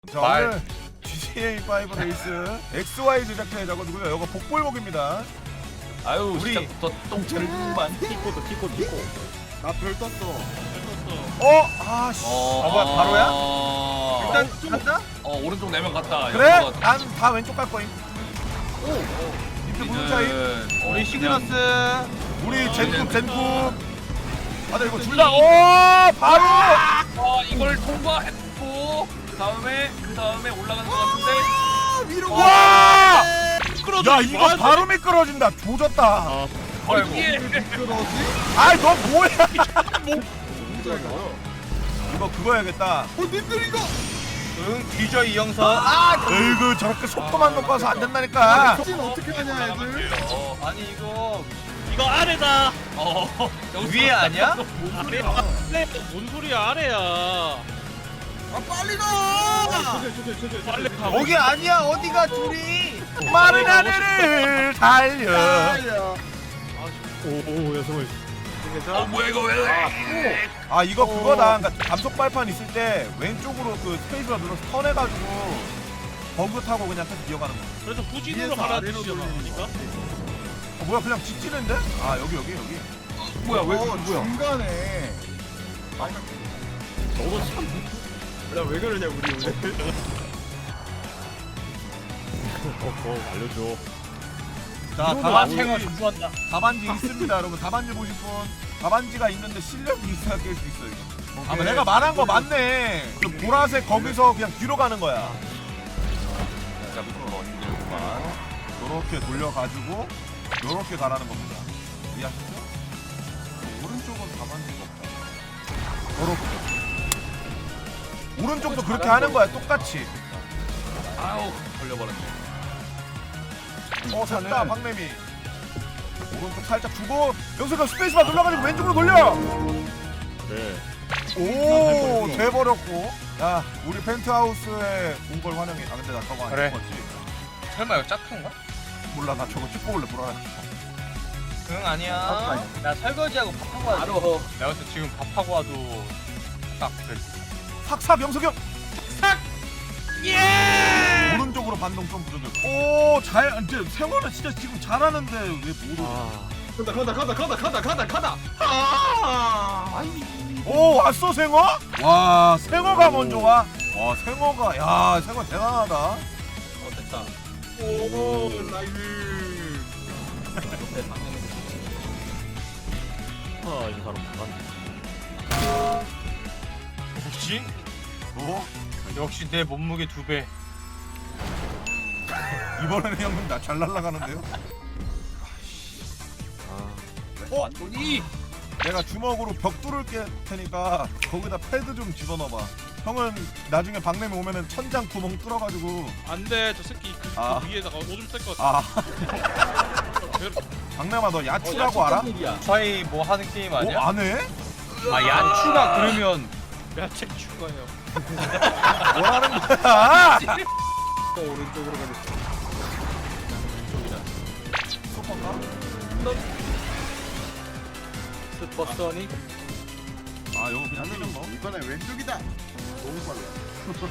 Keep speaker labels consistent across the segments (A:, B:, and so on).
A: 자, 오늘 GTA5 레이스 XY 제작자의 작업이고요. 이거 복불복입니다.
B: 아유
A: 우리-
B: 시작부터 똥차를만
C: 티코. 나 별 떴어.
A: 아씨.
B: 뭐야
A: 바로야?
C: 일단 간다?
B: 오른쪽 4명 갔다.
A: 그래?
B: 여기서
A: 난 다 왼쪽 갈 거임. 이렇게 무슨 차이?
C: 우리 시그너스.
A: 우리 젠쿱. 아, 나 이거 둘다 바로.
B: 이걸 통과했고 그 다음에 올라가는 것 같은데.
C: 위로
A: 와!
C: 미끄러져.
A: 야, 이거 바로 미끄러진다. 조졌다.
B: 어이구.
C: 미끄러지?
A: 아이, 너 뭐야?
C: 이거.
A: 이거 그거 해야겠다.
C: 님들 이거.
D: 응 뒤져 이 영선.
A: 에이구, 저렇게 속도만 높아서 안 된다니까.
C: 진 어떻게 하냐 애들?
D: 아니 이거
E: 이거 아래다.
B: 여기서
D: 위에 아니야?
E: 아래야. 뭔 소리야 아래야.
C: 아 빨리 가.
E: 빨리 가.
D: 거기 아니야 어디가 둘이?
A: 마른 하늘을 달려.
B: 뭐야 이거 왜?
A: 아, 이거 그거다. 그러니까 감속 발판 있을 때 왼쪽으로 그 스페이스바 눌러서 턴해가지고 버그 타고 그냥 계속 이어가는 거.
E: 그래서 후진으로
C: 위에서
E: 가라
C: 아래로
E: 뜻이잖아.
C: 돌리는
E: 그러니까.
A: 뭐야, 그냥 직진인데? 아, 여기.
B: 뭐야 왜
C: 뭐야?
B: 뭐야?
C: 중간에.
D: 야왜 그러냐 우리 오늘.
A: 자,
E: 아,
A: 답안지,
E: 챙어 준비한다.
A: 답안지 있습니다, 여러분. 답안지 보실 분. 답안지가 있는데 실력이 있어야 깰 수 있어, 이거. 아, 내가 말한 거 맞네. 그 보라색 거기서 그냥 뒤로 가는 거야.
B: 자 밑으로 얹는구만.
A: 요렇게 돌려가지고 요렇게 가라는 겁니다. 이해하셨죠? 오른쪽은 답안지가 없다. 요렇게. 오른쪽도 그렇게 하는 거야, 똑같이.
B: 아우 걸려버렸네.
A: 잤다, 박래미. 오른쪽 살짝 주고 여기서 스페이스바 눌러가지고 왼쪽으로 돌려. 오, 돼버렸고. 야, 우리 펜트하우스에 온 걸 환영해. 아, 근데 나 저거 안
D: 그래.
A: 찍었지.
D: 설마 이거 짝퉁가?
A: 몰라, 나 저거 찍고 올래, 불안해.
D: 응 아니야. 나 설거지하고 밥하고 와도.
E: 바로.
D: 내가 봤을 때 지금 밥하고 와도 딱 그래.
A: 삭삭, 영석이 형.
E: 예!
A: 오른쪽으로 반동 좀 부르는. 오, 잘, 이제 세월은 진짜 지금 잘하는데 왜 못 오지?
C: 가다.
A: 오, 왔어, 생어? 와, 생어가 먼저 와. 와, 생어가, 야, 생어 대단하다.
B: 됐다.
C: 오 나이스.
D: 역시
A: 어?
D: 역시 내 몸무게 2배.
A: 이번에는 형님 나 잘 날아가는데요?
B: 완전히
A: 내가 주먹으로 벽 뚫을 게 테니까 거기다 패드 좀 집어넣어봐. 형은 나중에 박내미 오면은 천장 구멍 뚫어가지고.
E: 안돼 저 새끼 그
A: 아.
E: 위에다가 오줌 쌀것 같아.
A: 아, 박내마 너 야추라고 알아?
D: 저희 뭐 하는 게임 아니야?
A: 안 해?
D: 아 야추가 그러면
E: 야채 추가요.
A: 뭐라는 거야?
C: 오른쪽으로 가겠어.
A: 소파가?
E: 슈퍼소닉.
A: 아, 이거 그냥 뛰는 거?
C: 이번에 왼쪽이다. 너무 빨라.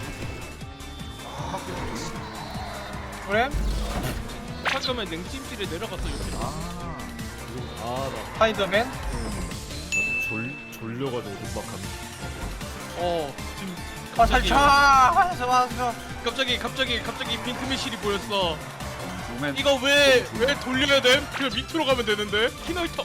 D: 그래?
E: 잠깐만 냉찜질에 내려가서 이렇게.
D: 스파이더맨?
E: 지금
D: 화살차! 화살!
E: 갑자기 빈틈의실이 보였어. 이거 왜 돌려야 돼? 그냥 밑으로 가면 되는데. 키노이터.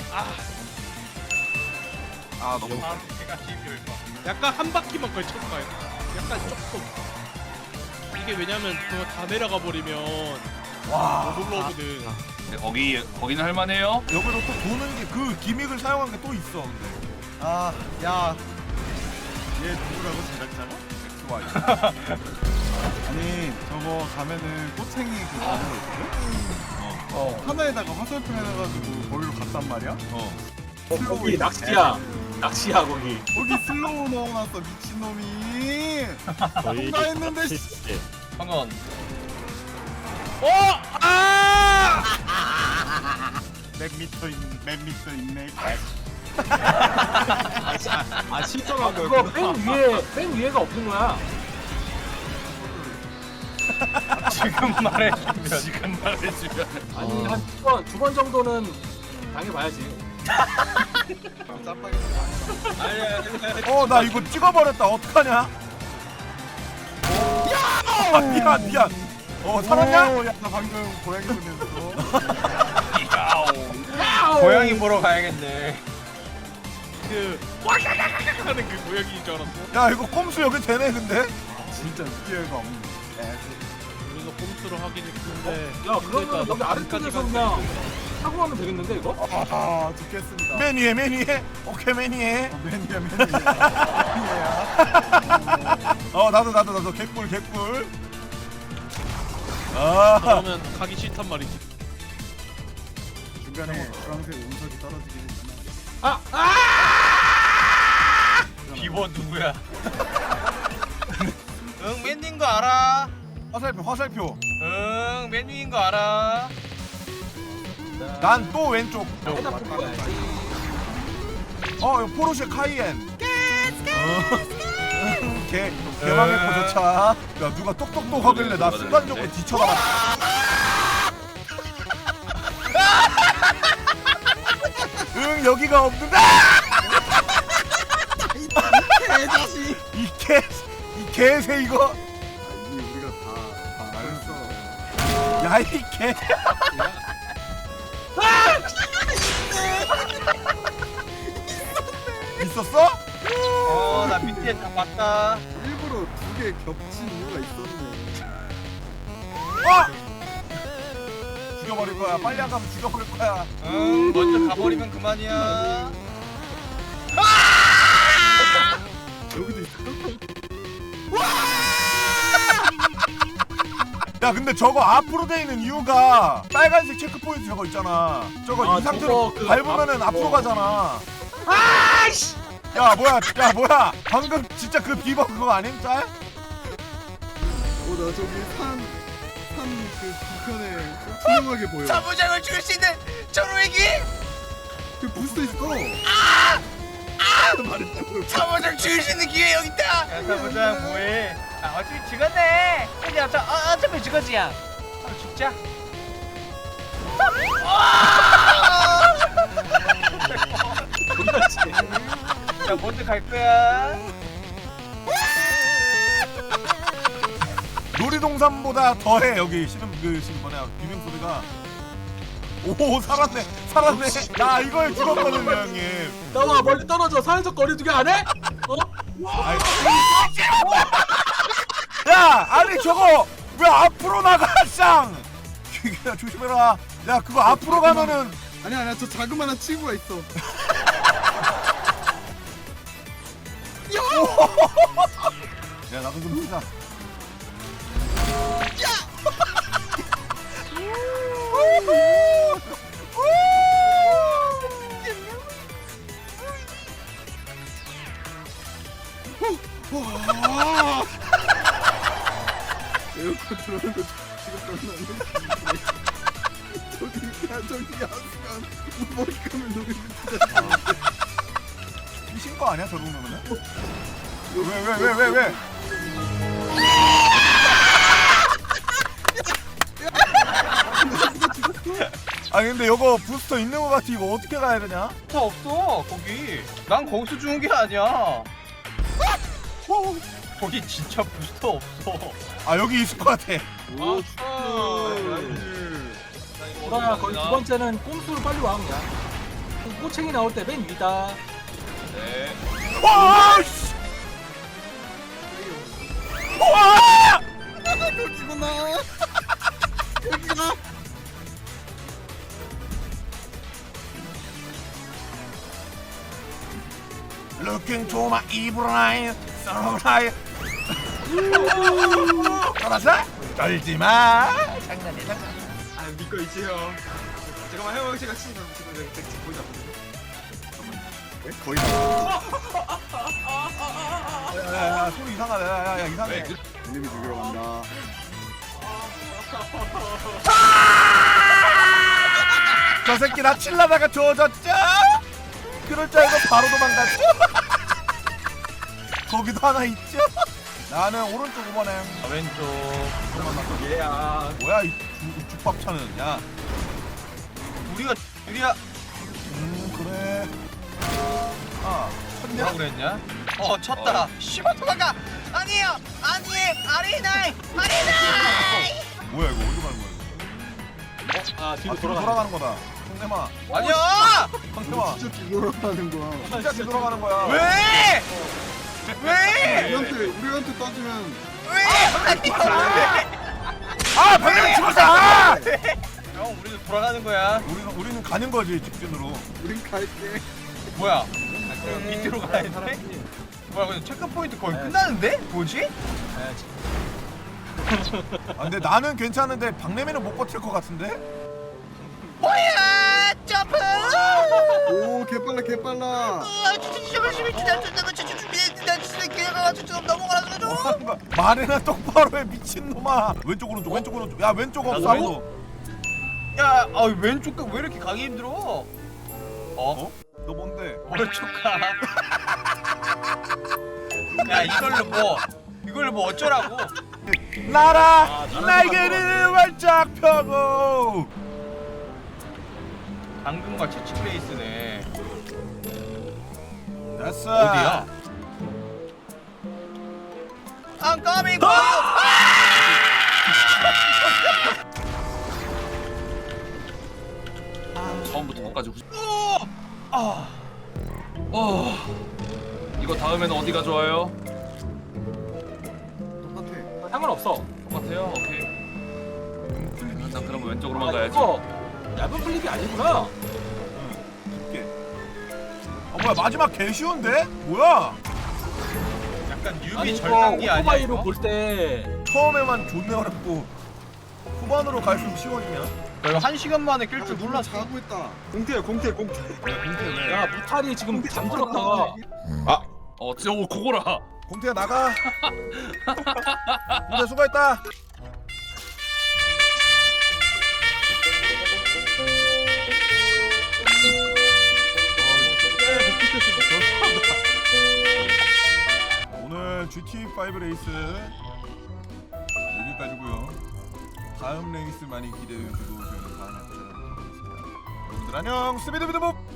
A: 아, 너무.
D: 제가 TV를 봐.
E: 약간 한 바퀴만 걸쳐봐요. 약간 조금. 이게 왜냐면 그거 다 내려가 버리면
A: 와.
E: 못 올라오거든.
B: 근데 거기는 할만해요.
A: 여기로 또 도는 게 그 기믹을 사용한 게 또 있어, 근데.
C: 아, 야. 얘 누구라고 제작자가?
A: XY.
C: 아니, 저거 가면은 꼬챙이 그 가는 거 있거든? 하나에다가 화살표 해놔가지고 거기로 갔단 말이야?
F: 거기 낚시야. 낚시야 거기.
C: 거기 슬로우 넣어놨어, 미친놈이! 통과했는데, 씨.
D: 형은
C: 몇 미터 있네.
F: 아 실전한 거야. 그거 맨 위에가 없는 거야.
D: 지금 말해주면.
B: 지금 말해주면.
F: 아니 한 두 번 정도는 당해봐야지.
A: 어 나 이거 찍어버렸다. 어떡하냐? 야! 미안 미안. 살았냐?
C: 오, 야, 나 방금 고양이 보면서
D: 고양이 보러 가야겠네.
E: 그 와샤샤샤 하는 그 고양이인 줄 알았어.
A: 야 이거 꼼수 여기 되네 근데?
C: 진짜 웃기가 없네.
E: 우리가 꼼수로 하긴 했는데.
F: 야 그러면 여기 아래쪽에서 그냥 타고 가면 되겠는데 이거?
C: 아, 죽겠습니다.
A: 맨 위에. 오케이 맨 위에.
C: 매니아.
A: 나도 개꿀. 아.
E: 그러면 가기 싫단 말이지.
C: 중간에 주황색 운석이 떨어지긴 했지만.
D: 비버 누구야? 응, 맨인 거 알아.
A: 화살표.
D: 응, 맨인 거 알아.
A: 난 또 왼쪽. 이거 포르쉐 카이엔. 개망의 포조차. 야 누가 똑똑똑 하길래 나 순간적으로 뒤쳐나갔다. 응 여기가 없는데. 이 개새 이거.
C: 이미 우리가 다 알았어.
A: 야 이 개. 있었어?
D: 나 밑에 다 봤다.
C: 일부러 두 개 겹친 이유가 있었네.
A: 죽여버릴 거야. 빨리 안 가면 죽여버릴 거야.
D: 응, 먼저 가버리면 그만이야.
C: 여기도 있어.
A: 야 근데 저거 앞으로 돼 있는 이유가 빨간색 체크 포인트 저거 있잖아. 저거 이 상태로
F: 저거
A: 밟으면은 앞으로 가잖아. 아이씨. 야 뭐야 방금 진짜 그 비버 그거 아님 짤?
C: 나 저기 그 뒤편에 투명하게 보여.
D: 사무장을 죽일 수 있는 전우에게
C: 그 부스터 있어. 말했다고.
D: 사무장 죽일 수 있는 기회 여기 있다. 야, 사무장 뭐해? 어차피 죽었네. 근데 어차피 죽었지야. 죽자. 자, 먼저 갈 거야.
A: 놀이동산보다 더해 여기 지금 뭐냐 비명 소리가. 오 살았네. 나 이걸 죽었거든요 형님.
F: 나와 멀리 떨어져. 사회적 거리두기 안 해?
A: 아이, 야 아니 저거 왜 앞으로 나가 쌍. 야 조심해라. 야 그거 앞으로 가면은.
C: 아니야 저 자그마한 친구가 있어.
A: 야 나도 좀 쓰자.
C: 에어컨 들어오는 거 지금 끝났네. 저기 야수간 머리감을 녹이는
A: 미친 거 아니야 저 정도면은? 왜? 아니 근데 이거 부스터 있는 거 같아. 이거 어떻게 가야 되냐?
D: 다 없어 거기. 난 거기서 죽은 게 아니야. 거기 진짜 부스터 없어.
A: 아 여기 있을 것 같아.
F: 보라야 거기 두 번째는 꼼수로 빨리 와 그냥. 꼬챙이 나올 때 맨 위다.
B: 네.
A: 와! 씨! 와!
C: 여기구나. 여기가.
A: Looking to my evil eye, samurai. 알았어? 떨지 마. 장난이야.
C: 아 믿고 있지 형. 잠깐만 형 제가 지금 거의 다 거의 다.
A: 야, 소리 이상하다. 야, 이상해.
C: 이놈이 죽이러 간다.
A: 저 새끼 나 칠라다가 조졌죠? 그럴 줄 알고 바로 도망갔죠? 거기도 하나 있죠? 나는 오른쪽 5번에.
D: 왼쪽.
C: 얘야.
A: 뭐야 이 죽밥차는. 야.
D: 우리가 유리야.
A: 그래. 아
D: 뭐라 그랬냐? 쳤다. 씨발 도망가. 아니에요. 아리나이.
A: 뭐야 이거 어디로 가는 거야?
F: 아 뒤로
A: 뒤로
F: 돌아가.
A: 돌아가는 거다. 성대마.
D: 아니야.
A: 성대마.
C: 진짜 뒤돌아가는 거야.
A: 진짜 뒤돌아가는 거야.
D: 왜?
C: 우리한테 따지면
A: 아 방금 죽었어. 아!
D: 형 우리도 돌아가는 거야.
A: 우리는 가는 거지 직진으로.
C: 우린 갈게.
D: 뭐야? 밑으로 가야 돼? 뭐야 근데 체크 포인트 거의 끝나는데? 뭐지?
A: 아, 근데 나는 괜찮은데 박래미는 못 버틸 것 같은데?
D: 뭐야? 점프!
C: 오 개빨라 개빨라.
A: 말이나 똑바로 해 미친놈아. 왼쪽 오른쪽 왼쪽 오른쪽. 야 왼쪽 없어 아무도.
D: 야, 왼쪽 왜 이렇게 가기 힘들어?
A: 너 뭔데?
D: 오른쪽 가. 야, 이걸로 뭐 어쩌라고?
A: 날아 날개를 활짝 펴고.
D: 당근과 채취 페이스네.
A: 됐어.
D: 어디야? I'm coming for you.
B: 처음부터 끝까지
D: 아,
B: 이거 다음에는 어디가 좋아요?
C: 똑같아.
F: 상관없어.
B: 똑같아요? 오케이. 난 그럼 왼쪽으로만 가야지.
F: 이거 얇은 플립이 아니구나.
A: 깊게. 뭐야 마지막 개 쉬운데? 뭐야?
D: 약간
F: 아니
D: 뉴비
F: 이거
D: 절단기 아니야
F: 오토바이로
D: 이거?
F: 볼 때
A: 처음에만 존내 어렵고 후반으로 갈수록 쉬워지냐?
D: 이거 1시간 만에 낄 줄
C: 누나
D: 몰랐어.
C: 자고 있다. 공태야 공태.
F: 야 무탈이 지금 잠들었다가
B: 진짜 오 그거라.
A: 공태야 나가. 공태 수고했다. 오늘 GT5 레이스 여기까지고요. 다음 레이스 많이 기대해 주시고 저희는 다음에 찾아뵙도록 하겠습니다. 여러분들 안녕. 스비드비드봅.